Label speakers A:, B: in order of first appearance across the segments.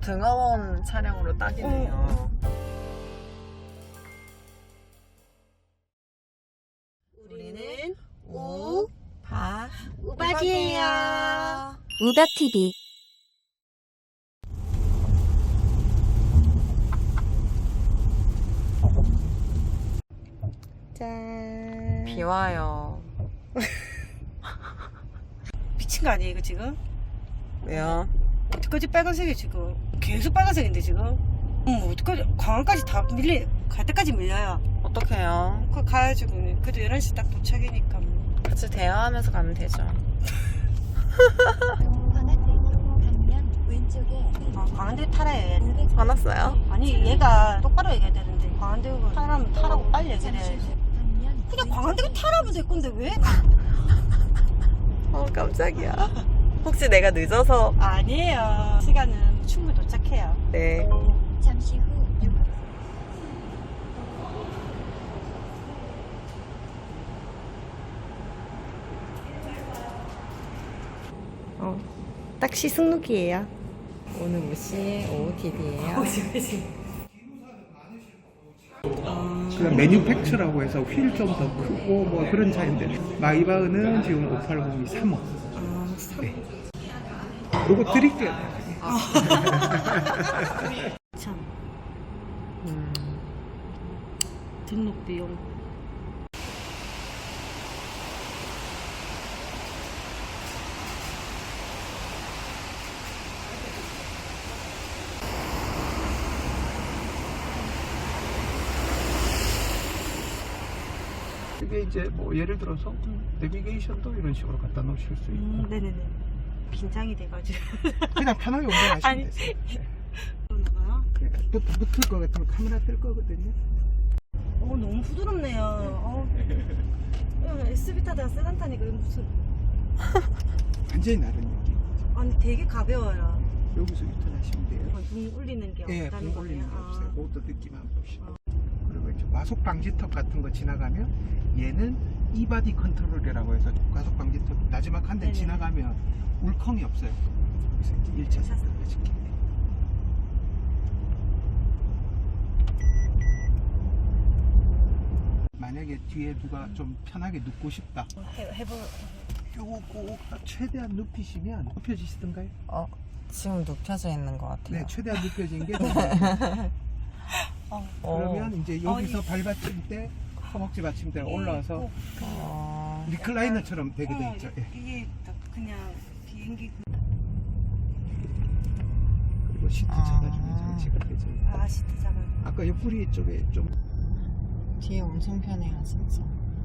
A: 등하원 차량으로 딱이네요.
B: 우리는
A: 우박이에요.
C: 우박TV.
B: 짠.
A: 비 와요.
B: 미친 거 아니에요 이거 지금?
A: 왜요?
B: 어떡하지? 빨간색이 지금 계속 빨간색인데 지금? 어떡하지? 광안까지 다 갈 때까지 밀려요.
A: 어떡해요?
B: 그거 가야지고 그래도 11시 딱 도착이니까 뭐.
A: 같이 대화하면서 가면 되죠.
B: 광안대 타라 얘.
A: 화났어요?
B: 아니 얘가 똑바로 얘기해야 되는데 광안대고 타라면 타라고 빨리 얘기를 해야지. 그냥 광안대고 타라면 될 건데 왜?
A: 깜짝이야. 혹시 내가 늦어서?
B: 아니에요. 시간은 충분히 도착해요.
A: 네.
C: 잠시 후
B: 딱시 승록이에요.
A: 오늘 무시 OOTD예요.
D: 그냥 매뉴팩처라고 해서 휠 좀 더 크고 뭐 그런 차인데 마이바흐는 지금 580이 3억. 네. 요거 드릴게요.
B: 참 등록 비용.
D: 이게 이제 뭐 예를 들어서 내비게이션도 이런 식으로 갖다 놓으실 수 있고
B: 네네네. 긴장이 돼가지고.
D: 그냥 편하게 운전하시면
B: 아니.
D: 되세요. 네.
B: 그러나봐요.
D: 그러니까 붙을 것 같으면 카메라 뜰 거거든요.
B: 너무 부드럽네요. SUV 타다가 세단 타니까 이거 무슨.
D: 완전히 다른 느낌.
B: 아니 되게 가벼워요.
D: 여기서 유턴하시면 돼요.
B: 붕 울리는 게
D: 예,
B: 없다는
D: 붕 올리는 게
B: 거네요.
D: 없어요. 그것도 느낌 한번 보시고. 그리고 이제 과속 방지턱 같은 거 지나가면 얘는 이바디 컨트롤이라고 해서 과속 방지턱 마지막 한 대
B: 네네.
D: 지나가면 울컹이 없어요. 그래서 이제 1차선 가실게. 만약에 뒤에 누가 좀 편하게 눕고 싶다.
B: 해볼.
D: 요거 꼭 최대한 눕히시면 눕혀지시던가요?
A: 지금 눕혀져 있는 것 같아요.
D: 네, 최대한 눕혀진 게 그러면 이제 여기서 발받침 때 허벅지 받침대 올라와서 리클라이너처럼 되게 돼 있죠. 예.
B: 이게 딱 그냥 비행기.
D: 그리고 시트 잡아주는 장치가 되죠.
B: 시트 잡아.
D: 아까 옆구리 쪽에 좀
A: 뒤에 엄청 편해요, 진짜.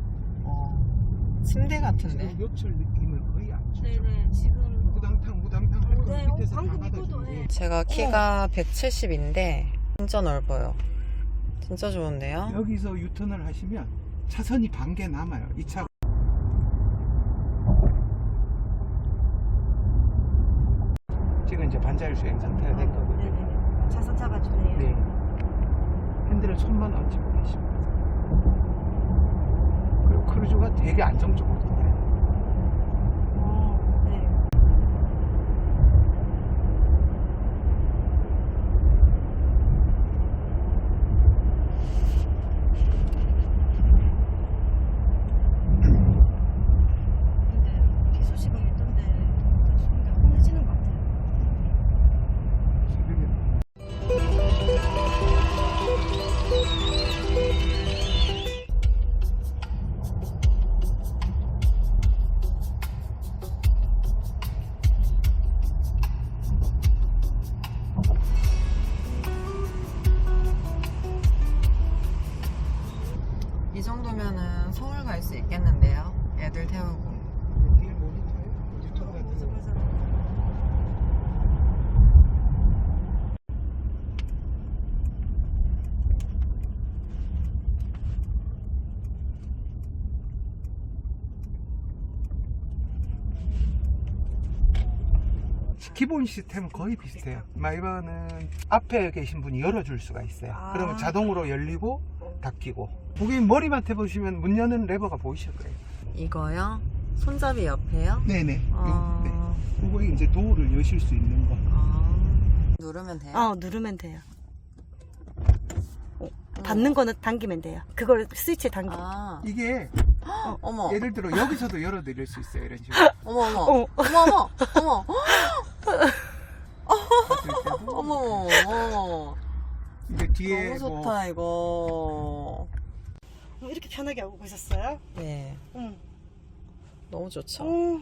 A: 침대 같은데.
D: 지금 요철 느낌을 거의 안 주죠.
B: 네네 지금.
D: 우당탕 할 거
B: 네,
D: 밑에서 다
B: 방금
D: 받아주고.
B: 이거도 해.
A: 제가 키가 170인데 진짜 넓어요. 진짜 좋은데요?
D: 여기서 유턴을 하시면 차선이 반 개 남아요. 이 차. 지금 이제 반자율 주행 상태가 된 거거든요.
B: 네네. 차선 잡아주네요.
D: 네. 핸들을 손만 얹히고 계십니다. 그리고 크루즈가 되게 안정적으로 돌아요.
B: 네. 근데 비 소식은 있던데 소리가 혼내지는 것 같아요.
D: 지금
A: 이 정도면은 서울 갈 수 있겠는데요? 애들 태우고.
D: 뒤에 모니터에 모니터 같은
B: 맞아
D: 거.
B: 맞아.
D: 기본 시스템은 거의 비슷해요. 마이바흐는 앞에 계신 분이 열어줄 수가 있어요. 그러면 자동으로 열리고 닫히고. 고객님 머리만 대보시면 문 여는 레버가 보이실 거예요.
A: 이거요? 손잡이 옆에요?
D: 네네.
A: 아.
D: 네. 그거 이제 도어를 여실 수 있는 거.
A: 누르면 돼요?
B: 누르면 돼요. 닫는 거는 당기면 돼요. 그걸 스위치 당기면.
A: 아,
D: 이게
A: 어머.
D: 예를 들어 여기서도 열어드릴 수 있어요. 이런 식으로.
A: 어머, 어머. 어머, 어머. 어머. 어머, 어머.
D: 이제 뒤에
A: 너무 좋다, 이거.
B: 이렇게 편하게 하고 계셨어요?
A: 네.
B: 응.
A: 너무 좋죠.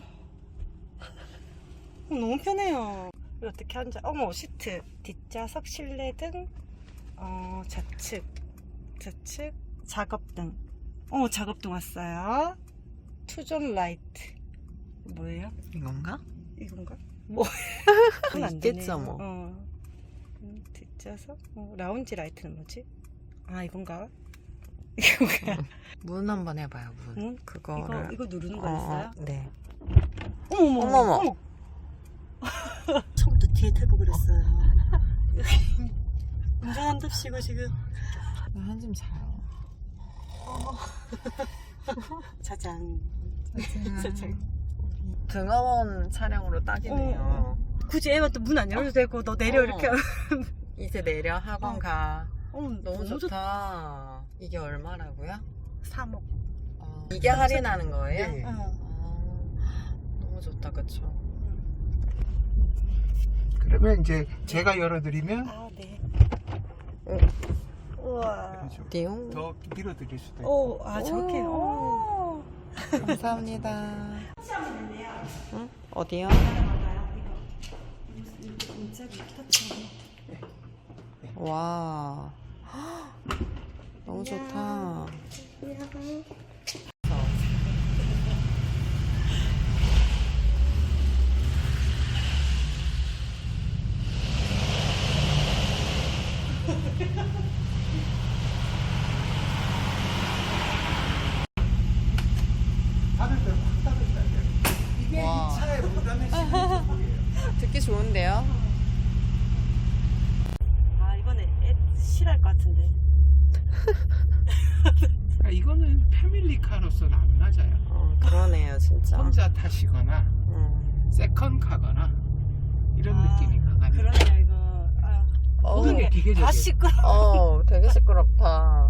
B: 너무 편해요. 어떻게 앉아? 어머, 시트, 뒷좌석, 실내등, 좌측, 작업등. 작업등 왔어요. 투존 라이트. 뭐예요?
A: 이건가?
B: 이건가?
A: 그건 안 있겠죠, 뭐.
B: 뒷좌석? 라운지 라이트는 뭐지? 아, 이건가? 이건가?
A: 문 한번 해봐요, 문.
B: 응?
A: 그거를.
B: 이거 누르는 거 있어요?
A: 네.
B: 어머머. 처음부터 뒤에 타고 그랬어요. 운전한답시고 지금.
A: 한숨 자요.
B: 짜잔.
A: 등하원 차량으로 딱이네요.
B: 굳이 애가 또 문 안 열어도 되고 너 내려 이렇게.
A: 이제 내려 학원 가.
B: 너무
A: 좋다. 이게 얼마라고요?
B: 3억.
A: 이게 할인하는 거예요?
D: 네.
A: 너무 좋다, 그쵸?
D: 그러면 이제 제가 열어드리면
B: 아, 네.
A: 응.
B: 우와.
D: 그렇죠.
A: 띠용.
D: 더 밀어드릴 수도 있고.
B: 저렇게.
A: 감사합니다. 응? 어디요? 와. 너무 좋다.
D: 닫을 때확 닫을다. 이게
A: 와.
D: 이 차의 문닫는 시스템이에요.
A: 듣기 좋은데요?
B: 이번에 애 싫어할 것 같은데.
D: 그러니까 이거는 패밀리카로서는 안 맞아요.
A: 그러네요, 진짜.
D: 혼자 타시거나 세컨카거나 이런 느낌이 강하네요.
B: 그러네요, 이거.
D: 모든 게 기계적이에요.
B: 다 시끄러.
A: 되게 시끄럽다.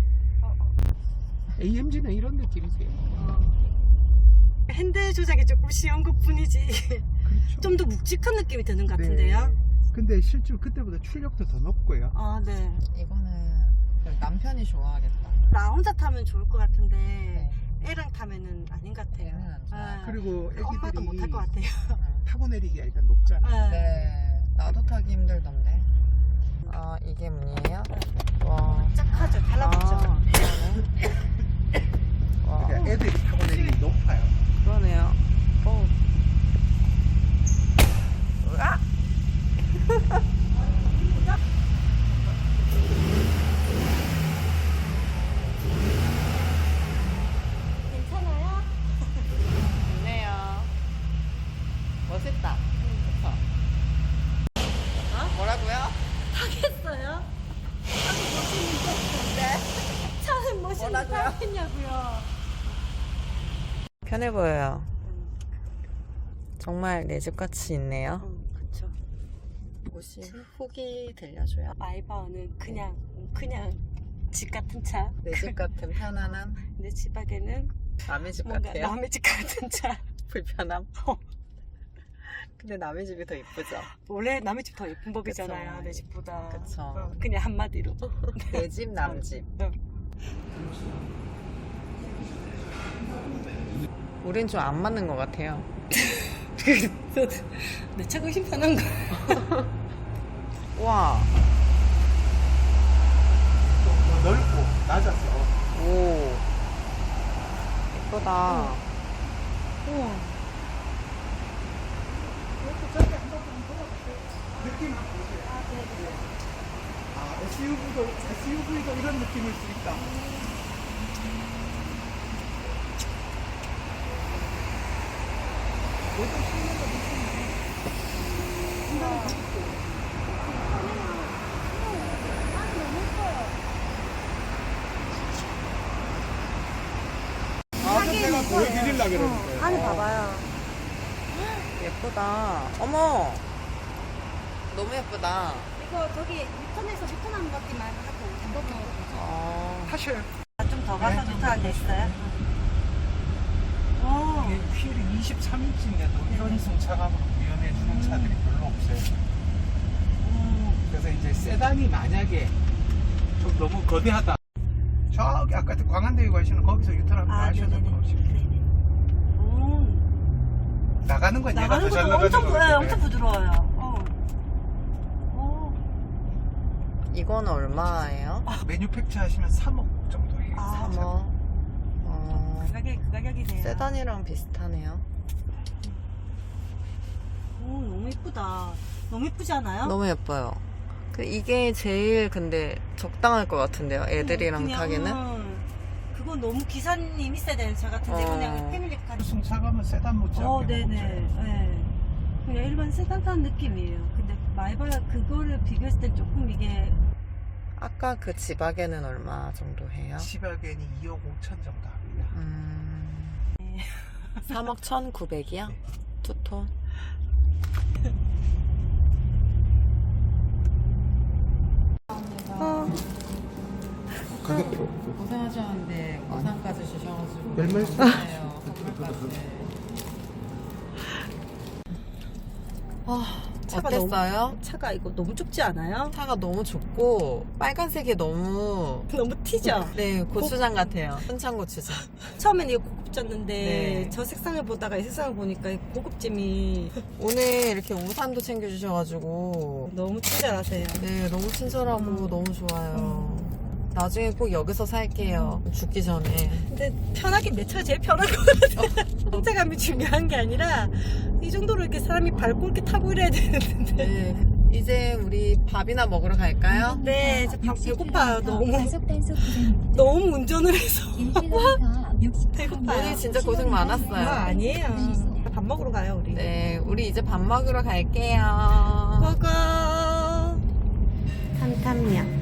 D: AMG는 이런 느낌이세요.
B: 핸들 조작이 조금 쉬운 것 뿐이지.
D: 그렇죠.
B: 좀 더 묵직한 느낌이 드는 것 같은데요?
D: 네. 근데 실제로 그때보다 출력도 더 높고요.
B: 네.
A: 이거는 남편이 좋아하겠다.
B: 나 혼자 타면 좋을 것 같은데
A: 네.
B: 애랑 타면은 아닌 것 같아요.
A: 애는 안 좋아요.
D: 그리고
B: 엄마도 못 탈 것
D: 애기들이
B: 같아요.
D: 타고 내리기가 일단 높잖아요.
A: 네, 나도 타기 힘들던데. 이게 문이에요? 와.
B: 짝하죠, 달라붙죠.
A: 그러네. 와,
D: 그러니까 애들이 타고 내리기 높아요.
A: 그러네요. 으아!
B: 괜찮아요?
A: 좋네요. 멋있다. 좋다. 뭐라고요?
B: 하겠어요? 차는 멋있는데
A: 뭐라고요?
B: 하겠냐고요.
A: 편해 보여요. 정말 내 집같이 있네요.
B: 그쵸.
A: 혹시 후기 들려줘요?
B: 아이바오는 그냥 집 같은 차.
A: 내 집 같은 편안함?
B: 내 집안에는
A: 남의 집
B: 뭔가
A: 같아요?
B: 남의 집 같은 차.
A: 불편함? 근데 남의 집이 더 이쁘죠?
B: 원래 남의 집 더 예쁜 법이잖아요.
A: 그쵸.
B: 내 집보다.
A: 그쵸.
B: 그냥 한마디로.
A: 내 집, 남 집. 우린 좀 안 맞는 것 같아요.
B: 내 차가 훨씬 편한 거야.
A: 와,
D: 좀 더 넓고 낮아서
A: 오, 예쁘다.
B: 우와.
D: 느낌 한번 보세요. SUV도 이런 느낌일 수 있다. 제가 보여드리려고 그러는데.
B: 안에 봐봐요.
A: 예쁘다. 어머, 너무 예쁘다.
B: 이거 저기 유턴에서 유턴하는 것만 하고 잠깐만.
D: 사실
B: 좀 더 가서 유턴한 데 있어요?
D: 이게 휠이 23인치인데도 이런 승차감으로 구현해 주는 차들이 별로 없어요. 그래서 이제 세단이 만약에 좀 너무 거대하다. 저기 아까 광안대교 가시는 거기서 유턴하면 하셔도 되고. 나가는 건 얘가 더 잘 나가는 거기 때문에.
B: 엄청 부드러워요.
A: 이건 얼마예요?
D: 매뉴팩처 하시면 3억 정도예요.
A: 3억.
B: 그 가격이네요.
A: 세단이랑 비슷하네요.
B: 너무 예쁘다. 너무 예쁘지 않아요?
A: 너무 예뻐요. 이게 제일 근데 적당할 것 같은데요. 애들이랑
B: 그냥,
A: 타기는.
B: 그건 너무 기사님 있어야 되는 차 같은데 그냥 패밀리카.
D: 승차감은 세단 못지않게
B: 네네. 네. 그냥 일반 세단 타는 느낌이에요. 근데 마이바라 그거를 비교했을 땐 조금 이게
A: 아까 그 지바겐은 얼마 정도 해요?
D: 지바겐이 2억 5천 정도 합니다.
A: 3억 1,900이요? 투톤.
D: 가격표
A: 고생하셨는데 우산까지 주셔가지고
D: 별 말씀.
A: 감사해요.
B: 차가
A: 어땠어요?
B: 차가 이거 너무 좁지 않아요?
A: 차가 너무 좁고 빨간색이 너무
B: 너무 튀죠?
A: 네 고추장 같아요. 순창 고추장.
B: 처음엔 이거 고급졌는데
A: 네.
B: 저 색상을 보다가 이 색상을 보니까 이 고급짐이
A: 오늘 이렇게 우산도 챙겨주셔가지고
B: 너무 친절하세요.
A: 네 너무 친절하고 너무 좋아요. 나중에 꼭 여기서 살게요. 죽기 전에.
B: 근데 편하게 내 차가 제일 편한 것 같아요. 성차감이 중요한 게 아니라 이 정도로 이렇게 사람이 밟고 이렇게 타고 이래야 되는데.
A: 네. 이제 우리 밥이나 먹으러 갈까요?
B: 네, 이제 밥 배고파요. 너무
C: 단속
B: 너무 운전을 해서
C: 1km
B: 배고파요.
A: 오늘 진짜 고생 많았어요.
B: 아니에요. 밥 먹으러 가요 우리.
A: 네, 우리 이제 밥 먹으러 갈게요.
B: 고고. 탐탐냥.